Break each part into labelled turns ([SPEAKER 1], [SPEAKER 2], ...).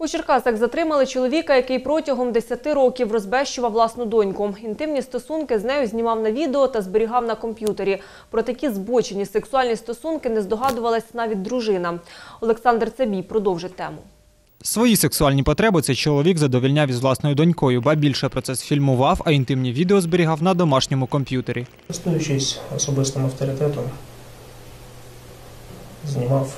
[SPEAKER 1] У Черкасах затримали чоловіка, який протягом 10 років розбещував власну доньку. Інтимні стосунки з нею знімав на відео та зберігав на комп'ютері. Про такі збочені сексуальні стосунки не здогадувалась навіть дружина. Олександр Цебій продовжить тему.
[SPEAKER 2] Свої сексуальні потреби цей чоловік задовольняв із власною донькою, ба більше процес фільмував, а інтимні відео зберігав на домашньому комп'ютері.
[SPEAKER 3] Користуючись особистим авторитетом, знімав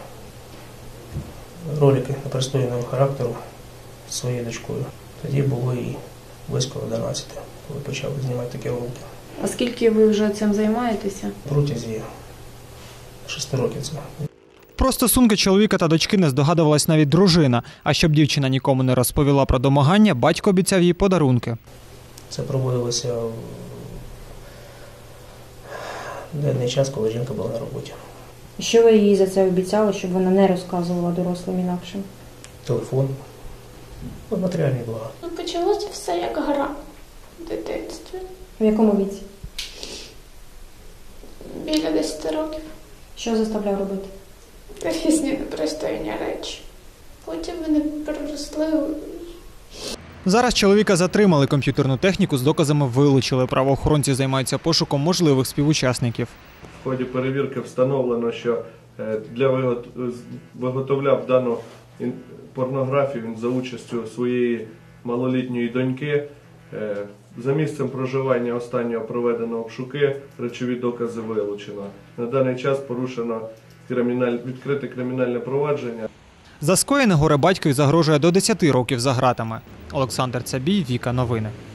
[SPEAKER 3] ролики непристойного характеру зі своєю дочкою. Тоді було і близько 11, коли почав знімати такі ролики.
[SPEAKER 4] А скільки ви вже цим займаєтеся?
[SPEAKER 3] Протязі 6 років це.
[SPEAKER 2] Про стосунки чоловіка та дочки не здогадувалась навіть дружина. А щоб дівчина нікому не розповіла про домагання, батько обіцяв їй подарунки.
[SPEAKER 3] Це проводилося в денний час, коли жінка була на роботі.
[SPEAKER 4] Що ви їй за це обіцяли, щоб вона не розказувала дорослим інакшим?
[SPEAKER 3] Телефон, матеріальні блага.
[SPEAKER 5] Почалося все як гра в дитинстві.
[SPEAKER 4] В якому віці?
[SPEAKER 5] Біля 10 років.
[SPEAKER 4] Що заставляв робити?
[SPEAKER 5] Різні непристойні речі. Потім вони переросли.
[SPEAKER 2] Зараз чоловіка затримали, комп'ютерну техніку з доказами вилучили. Правоохоронці займаються пошуком можливих співучасників.
[SPEAKER 6] В ході перевірки встановлено, що виготовляв дану порнографію він за участю своєї малолітньої доньки. За місцем проживання останнього проведено обшуки, речові докази вилучено. На даний час порушено відкрите кримінальне провадження.
[SPEAKER 2] За скоєне горе батькові загрожує до 10 років за ґратами. Олександр Цебій, Віка Новини.